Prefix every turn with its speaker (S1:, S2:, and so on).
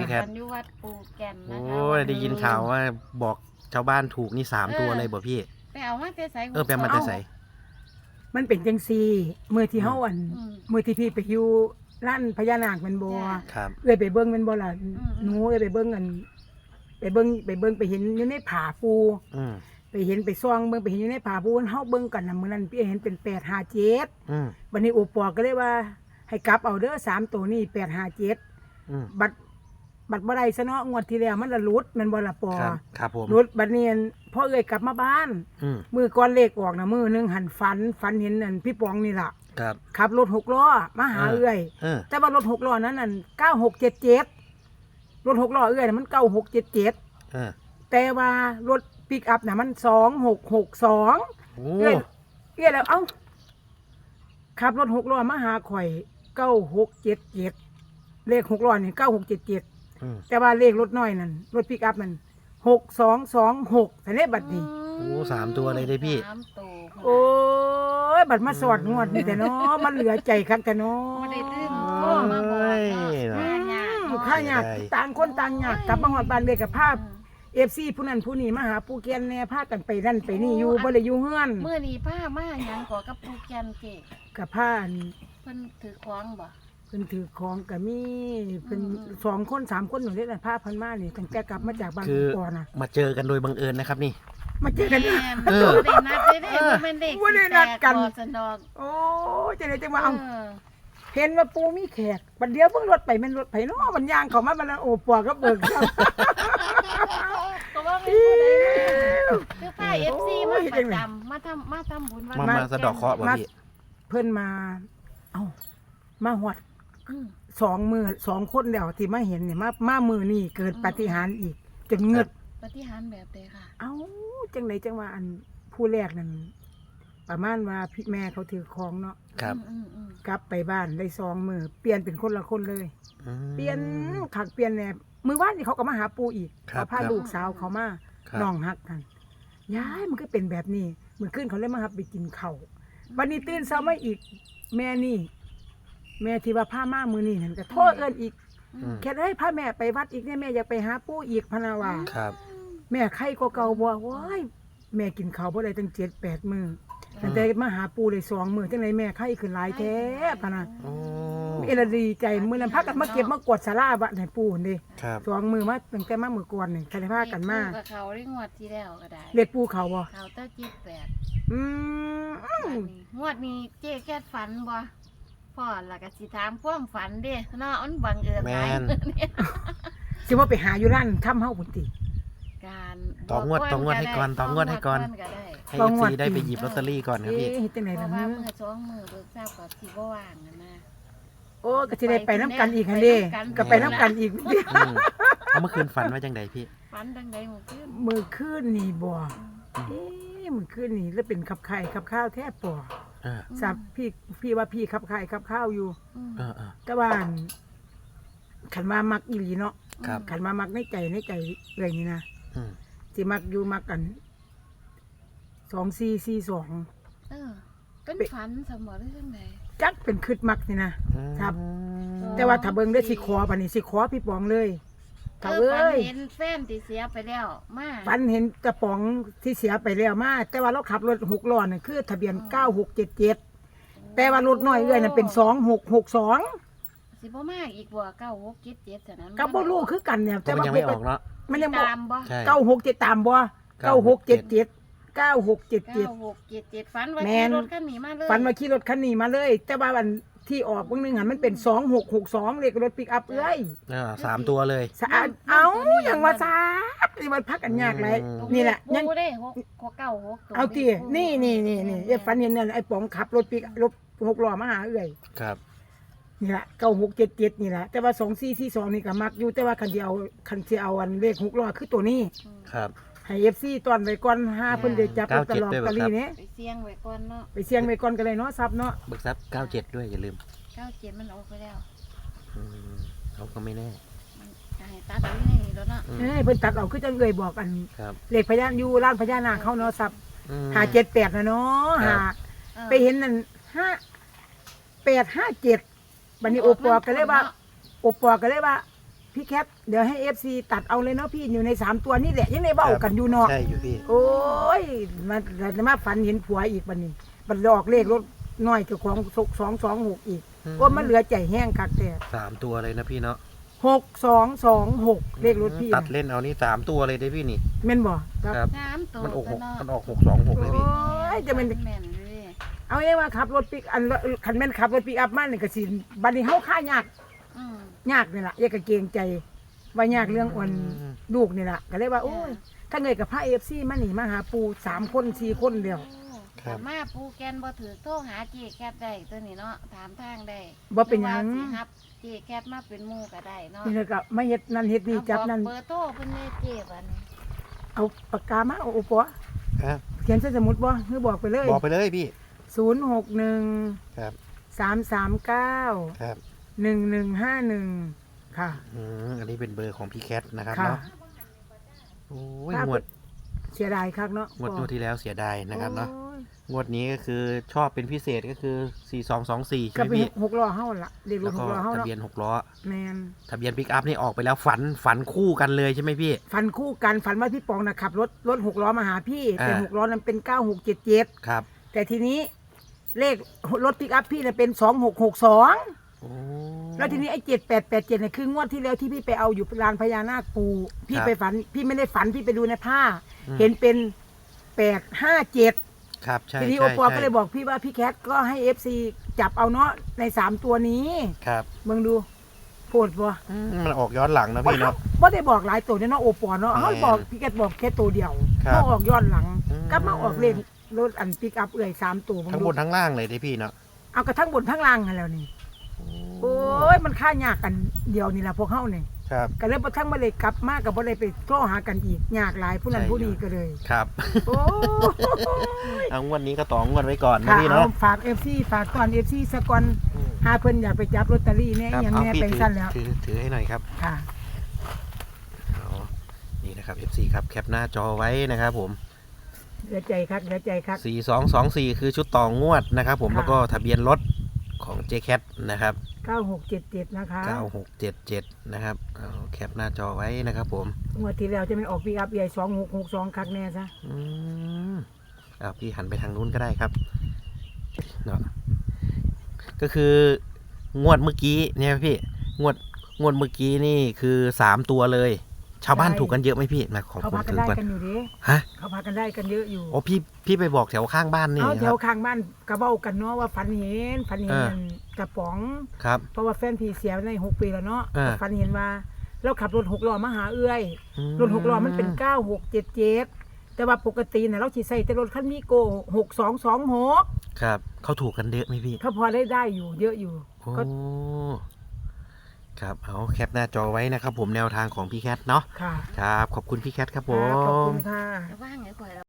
S1: แคท
S2: อยู่วัดปูแก่นนะ
S1: โอ้
S2: คะ
S1: ยได้ยินข่าวว่าบอกชาวบ้านถูกนี่3 ตัวเลยบ่พี่
S2: ไปเอามาแต่ใส่
S1: ไปมาแต่ใส
S3: มันเป็นจังซี่มื้อที่เฮาอัน
S2: อืม
S3: มื้อที่พี่ไปอยู่ร้านพญานาคแมันบ่
S2: จ้ะ
S1: ครับ
S3: เอ้ยไปเบิ่งแมันบ่ล่ะ
S2: อืม
S3: หนูเอ้ยไปเบิ่งกันไปเบิ่งไปเห็นอยู่ในผาปู
S1: อืม
S3: ไปเห็นไปซ่องเบิ่งไปเห็นอยู่ในผาปูเฮาเบิ่งกันน่ะมื้อนั้นพี่เห็นเป็น857
S1: อืม
S3: บัดนี้โอปอก็เลยว่า ให้กลับเอาเด้อ3ตัวนี้857
S1: อืม
S3: บัดบ่ได้ซะเนาะงวดที่แล้วมันละหลุดแมันบ่ล่ะปอ
S1: ครับผม
S3: หลุดบัดนี้พ่อเอ้ยกลับมาบ้าน
S1: อืม
S3: มือก่อนเลขออกนะมือหนึงหันฝันเห็นนั่นพี่ปองนี่ล่ะ
S1: ครับ
S3: ขับรถ6ล้อมาหาเอื้อย
S1: เออ
S3: แต่ว่ารถ6ล้อนั้นนั่น9677รถ6ล้อเอื้อยน่ะมัน9677
S1: เออ
S3: แต่ว่ารถปิกอัพน่ะมัน2662
S1: โอ้
S3: เอื้อยแล้วเอ้าขับรถ6ล้อมาหาข่อย9677เลข6ล้อนี่9677
S1: อืม
S3: แต่ว่าเลขรถน้อยนั่นรถปิกอัพนั่น6226แต่เลขบัดนี้
S1: โอ้3 ตัวเลยเด้พี่
S2: สามตัว
S3: โอ้ย บัดมาสอดงวดนี่แต่เนาะ มันเหลือใจคักแต่เนาะ
S2: บ่ได้ตื่นโทรมาบอกเนาะหายาก
S3: ข้าอยากต่างคนต่างอยากกลับมาฮอดบ้านเลยกับภาพ FC ผู้นั้นผู้นี้มาหาปูเกียนแน่พากันไปนั่นไปนี่อยู่บ่ได้อยู่เฮือน
S2: มื้อนี้ผ้ามาหยังขอกับปูแก่นเกะ
S3: กับพาอัน
S2: เพิ่นถือของบ่
S3: เพิ่นถือของก็มีเพิ่น
S2: อืม
S3: 2คน3คนอยู่เด้น่ะพาเพิ่นมานี่ตั้งแต่กลับมาจากบ้าน
S1: คือ
S3: ก่อนน่ะ
S1: มาเจอกันโดยบังเอิญนะครับนี่
S3: มาเจอกัน
S2: แม่
S1: เออ
S2: บ่ได้นัดเลยเด้บ่แม่นเด็ก
S3: บ่ได้นัดกัน
S2: สิแตบ่สนอก
S3: โอ้ยจังได๋จังว่าเอา
S2: เออ
S3: เห็นว่าปูมีแขกบัดเดียวเพิ่งรถไปแม่นรถไผเนาะมันย่างเข้ามาบัดนั้นโอ้ปัวก็เบิกครับ
S2: ก็ว่าไม่ผู้ใดคือป้า FC มาประจำมาทำบุญวัน
S1: มาสะเดอกเคราะห์บ่พี่
S3: เพิ่นมา เอ้ามาหอด
S2: อืม
S3: 2 คนแล้วที่มาเห็นเนี่ยมามือนี่เกิดปาฏิหาริย์อีกจนเงือด
S2: ปฏิหารย์แบบใดค่ะ
S3: เอ้าจังไดจังว่าอันผู้แรกนั่นประมาณว่าพี่แม่เขาถือของเนาะ
S1: ครับ
S2: อืม
S3: กลับไปบ้านได้2 มือเปลี่ยนเป็นคนละคนเลย
S1: อืม
S3: เปลี่ยนขักเปลี่ยนแหนบมือว่านนี่เขาก็มาหาปูอีก
S1: ครับ
S3: เขาพา
S1: ครับ
S3: ลูกสาวเขามา
S1: ครับ
S3: น้องฮักกันยายมันก็เป็นแบบนี้มื้อคืนเขาเลยมาหับไปกินข้าววันนี้ตื่นเช้ามาอีก แม่นี่ แม่ที่ว่าพามามือนี่นั่นก็โทษเอิ้นอีก
S1: อืม
S3: แค่ได้พาแม่ไปวัดอีกเนี่ยแม่อยากไปหาปู่อีกพะนาว่า
S1: ครับ
S3: แม่ไข้ก็เก่าบ่ว้ายแม่กินข้าวบ่ได้ตั้ง7-8 มื้อตั้งแต่มาหาปู่ได้2 มื้อจังไดแม่ไข้ขึ้นหลายแท้พะนะ
S1: โอ้
S3: เอละดีใจมื้อนั้นพากันมาเก็บมากวาดศาลาวัดให้ปู่นี่
S1: ครับ
S3: 2 มื้อมาตั้งแต่มามื้อก่อนนี่คันได้พากันมา
S2: กับเขาได้งวดที่แล้วก็ได้
S3: เรียกปู่เขาบ่
S2: เขาเต้าจิตแปด
S3: อืม
S2: งวดนี้เจ๊แค่ฝันบ่พ่อแล้วก็สิถามความฝันเด้เนาะมันบังเอิญหลายเนี่ย
S3: สิว่าไปหาอยู่ร้านค่ำเฮาพุ่นติ
S2: การ
S1: ต่องวดให้ก่อนต่องวดให้ก่อน
S2: ก็ได้
S1: ให้
S3: ลองงวด
S1: FC ได้ไปหยิบลอตเตอรี่ก่อนครับพี่
S3: เอ๊ะเฮ็ดจังได
S2: เพ
S3: ล่ะ
S2: ราะว่า
S3: ฮะ
S2: มือสองมือเบิกทราบกับสิบ่ว่างนะ
S3: โอ้ก็สิได้ไปน้ำกันอีกหั่นเด้ก็ไปน้ำกันอีก
S1: อืมเอาเมื่อคืนฝันว่าจังไดพี่
S2: ฝันดังใดหมู่ขึ้น
S3: มื้อคืนนี่บ่เอ๊ะมื้อคืนนี่แล้วเป็นขับไข่ขับข้าวแท้ปอ
S1: เออ
S3: สับพี่ว่าพี่ขับไข่ขับข้าวอยู่
S1: เออเออ
S3: แต่ว่าขันมามักอีหลีเนาะ
S1: ครับ
S3: ขันมามักในใจเลยนี่นะ
S1: อืม
S3: ที่มักอยู่มักกัน2442
S2: เออเป็นฝันสมอหรือจังได
S3: จักเป็นคืดมักนี่นะ ครับ
S1: อืม
S3: แต่ว่าถ้าเบิ่งได้สิขอบัดนี้สิขอพี่ปองเลยถ้า
S2: ฝั
S3: เอ้
S2: น
S3: ย
S2: เห็นแฟนที่เสียไปแล้วมา
S3: ฝันเห็นกระป๋องที่เสียไปแล้วมาแต่ว่าเราขับรถ6ล้อน่ะคือทะเบียน9677แต่ว่ารถน้อยเอ้ยน่ะเป็น2662
S2: สิบ่มากอีกบ่9677ฉะนั้น
S3: ก็บ่รู้คือกันเนี่ย
S1: แต่มันยังไม่ออกเนาะ
S3: มันยังบ่
S2: ตามบ่
S1: ใช่
S3: 967ตามบ่9677 9677
S2: 9677ฝันว่า
S3: แม่
S2: ขี่
S3: น
S2: รถคันนี้มาเลย
S3: ฝันว่าขี่รถคันนี้มาเลย แต่ว่าวันที่ออกเบิ่งหนึงหันมันเป็น2662เลขรถปิกอัพเอ้ย
S1: 3 ตัวเลย
S3: สะอาดเอาอย่างว่าซาดนี่มันพักกันยากเลย
S1: อืม
S3: นี่แหละยัง
S2: ปูได้696
S3: เอาตินี่ไอ้ฝันเห็นนั่นไอ้ป๋องขับรถปิกรถ6ล้อมาหาเอ้ย
S1: ครับ
S3: นี่ล่ะ9677นี่ล่ะแต่ว่า2442นี่ก็มักอยู่แต่ว่าคันสิเอาอันเลข6ล้อคือตัวนี้
S1: ครับ
S3: ให้ FC ตอนไว้ก่อนหาเพิ่นได้จับลอตเตอรี่
S1: 97
S3: ตอรี่นี้
S2: ไปเสี่ยงไว้ก่อนเนาะ
S3: ไปเสี่ยงไว้ก่อนก็เลยเนาะซับเนาะ
S1: เบิกทรัพย์97 ด้วยอย่าลืม
S2: 97มันออกไปแล้ว
S1: อืมเขาก็ไม่แน่
S2: มันจะให้ตัดเอาอยู่นี่แล้วเนาะ
S1: อืม
S3: เอ้ยเพิ่นตัดเอาคือจังเอ่ยบอกอัน
S1: ครับ
S3: เลขพญานอยู่ร้านพญานาคเขาเนาะซับ
S1: อืม
S3: 578นะเนาะ
S1: ครับ
S3: ไปเห็นนั่น5857บัดนี้โอปอก็เลยว่าพี่แคทเดี๋ยวให้ FC ตัดเอาเลยเนาะพี่อยู่ใน3ตัวนี่แหละยังในเบ้ากันอยู่เนาะ
S1: ใช่อยู่พี่
S3: โอ้ยมาฝันเห็นผัวอีกบัดนี้บัดออกเลขรถน้อยเจ้าของ226อีกว่ามันเหลือใจแห้งคักแต่
S1: 3 ตัวเลยนะพี่เนาะ
S3: 6226เลขรถพี่
S1: ตัดเล่นเอานี่3 ตัวเลยได้พี่นี่
S3: แม่นบ่ครับ
S1: ครับ
S2: 3ตัว
S1: มันออก
S2: ก็เนาะ
S1: มันออก626เลยพี่
S3: โอ้ยจะเป็น
S2: แม่นเลย
S3: เอาเองว่าขับรถปิกอันคันแม่นขับรถปิกอัพมานี่ก็สิบัดนี้เฮาค่ายาก
S2: อืม
S3: ยากนี่ล่ะอย่าก็เกรงใจว่ายากเรื่องอ่อนลูกนี่ล่ะก็เลยว่าโอ้ยถ้าเงยกับพระ FC มานี่มาหาปู3คน4คนเดียว
S2: ถ้ามาปูแกนบ่ถือโทรหาเจแคทได้ตัวนี้เนาะถามทางได้
S3: บ่เป็นหยัง
S2: รือว่าสิรับเจแคทมาเป็นหมู่ก็ได้เนาะ
S3: นี่เลยก็มาเฮ็ดนั่นเฮ็ดนี่จับนั่น
S2: เบอร์โทรเพิ่นเลยเจบัดนี้
S3: เอาปากกามาเอาโอปอ
S1: ครับ
S3: เขียนใส่สมุดบ่คือบอกไปเลย
S1: บอกไปเลยพี่
S3: 061
S1: ครับ
S3: 339
S1: ครับ
S3: 1151ค่ะ
S1: อันนี้เป็นเบอร์ของพี่แคทนะครับ
S3: ค่ะ
S1: เนาะโอ้ย
S3: ครับ
S1: งวด
S3: เสียดายคักเนาะ
S1: งวดที่แล้วเสียดายนะครับเนาะ
S3: โอ้ย
S1: งวดนี้ก็คือชอบเป็นพิเศษก็คือ4224ใช่
S3: ก็
S1: ไหม
S3: เป็น
S1: พี่
S3: 6ล้อเฮาล่ะเรียกร
S1: แล้ว
S3: ถ
S1: ก็
S3: 6ล้อเฮา
S1: ทะ
S3: เนาะ
S1: เบียน6 ล้อ
S3: แมน
S1: ทะเบียนปิกอัพนี่ออกไปแล้วฝันคู่กันเลยใช่ไหมพี่
S3: ฝันคู่กันฝันว่าพี่ปองน่ะขับรถ6ล้อมาหาพี่แต่
S1: อ่า
S3: 6ล้อนั้นเป็น9677
S1: ครับ
S3: แต่ทีนี้เลขรถปิกอัพพี่น่ะเป็น2662
S1: โอ้
S3: แล้วทีนี้ไอ้7887เนี่ยคืองวดที่แล้วที่พี่ไปเอาอยู่ลานพญานาคปูพี่
S1: ครับ
S3: ไปฝันพี่ไม่ได้ฝันพี่ไปดูในผ้า
S1: อืม
S3: เห็นเป็น857
S1: ครับใช่
S3: ทีนี้
S1: ใช่
S3: โอปอ
S1: ใช่
S3: ก็เลยบอกพี่ว่าพี่แคทก็ให้ FC จับเอาเนาะใน3ตัวนี้
S1: ครับ
S3: เบิ่งดูโพดบ่
S1: มันออกย้อนหลังนะพี่เนาะ
S3: บ่ได้บอกหลายตัวเนี่ยเนาะโอปอเนาะ
S1: แม่น
S3: เฮาบอกพี่แคทบอกแค่ตัวเดียว
S1: ครับ
S3: เฮาออกย้อนหลัง
S1: อืม
S3: กลับมาออกเลขรถอันปิกอัพเอื่อย3ตัวเบิ่ง
S1: ทั้ง
S3: ดู
S1: บนทั้งล่างเลยที่พี่เนาะ
S3: เอากระทั่งบนทั้งล่างกันแล้วนี่โอ้ยมันค่ายากกันเดียวนี่ล่ะพวกเฮานี่
S1: ครับ
S3: ก็เลยบ่ทั้งบ่ได้กลับมาก็บ่ได้ไปโทรหากันอีกยากหลายผู้นั้น
S1: ใช่
S3: ผู้นี้
S1: อยู่
S3: ก็เลย
S1: ครับ
S3: โอ้
S1: เอางวดนี้ก็ต่องวดไว้ก่อนนะ
S3: ค่ะ
S1: พี่
S3: เอา
S1: เนาะ
S3: ฝาก FC ฝากตอน FC สะก่อน
S1: อืม
S3: หาเพิ่นอยากไปจับลอตเตอรี่เนี่ย
S1: ครับ
S3: อย่าง
S1: เอา
S3: แม่
S1: พี่
S3: เป็นสั้นแล้ว
S1: ถือให้หน่อยครับ
S3: ค่ะ
S1: เอานี่นะครับ FC ครับแคปหน้าจอไว้นะครับผม
S3: เหลือใจครับเหลือใจครับ
S1: 4224 คือชุดต่องวดนะครับผม
S3: ค่ะ
S1: แล้วก็ทะเบียนรถของ JCat นะครับ
S3: 9677นะคะ
S1: 9677นะครับเอาแคปหน้าจอไว้นะครับผม
S3: งวดที่แล้วจะเป็นออกปีอัพใหญ่2662คักแน่ซะ
S1: อืมเอาพี่หันไปทางนู้นก็ได้ครับเนาะก็คืองวดเมื่อกี้เนี่ยพี่งวดเมื่อกี้นี่คือ3 ตัวเลย ชาวบ้านถูกกันเยอะไหมพี่มาของ
S3: เขา
S1: ผม
S3: พากัน
S1: ถือ
S3: ได้
S1: ก่อน
S3: กันอยู่ดิ
S1: ฮะ
S3: เขาพากันได้กันเยอะอยู่
S1: โอ้พี่ไปบอกแถวข้างบ้านนี่
S3: เอา
S1: ค
S3: แถ
S1: รั
S3: ว
S1: บ
S3: ข้างบ้านกระเบ้ากันเนาะว่าฝันเห็น
S1: เออ
S3: กระป๋อง
S1: ครับ
S3: เพราะว่าแฟนพี่เสียใน6 ปีแล้วเนาะ
S1: เออ
S3: ฝันเห็นว่าเราขับรถ6ล้อมาหาเอื้อย รถ6ล้อมันเป็น9677แต่ว่าปกติน่ะเราสิใส่แต่รถคันมีโก6226
S1: ครับเขาถูกกันเยอะไหมพี่
S3: เขาพอได้อยู่เยอะอยู่
S1: โอ้
S3: ก็
S1: ครับเอาแคปหน้าจอไว้นะครับผมแนวทางของพี่แคทเนาะ
S3: ค่ะ
S1: ครับขอบคุณพี่แคทครับผ
S3: ค่ะขอบคุ
S1: ม
S3: ณค่ะ
S2: ว่างไงก่อน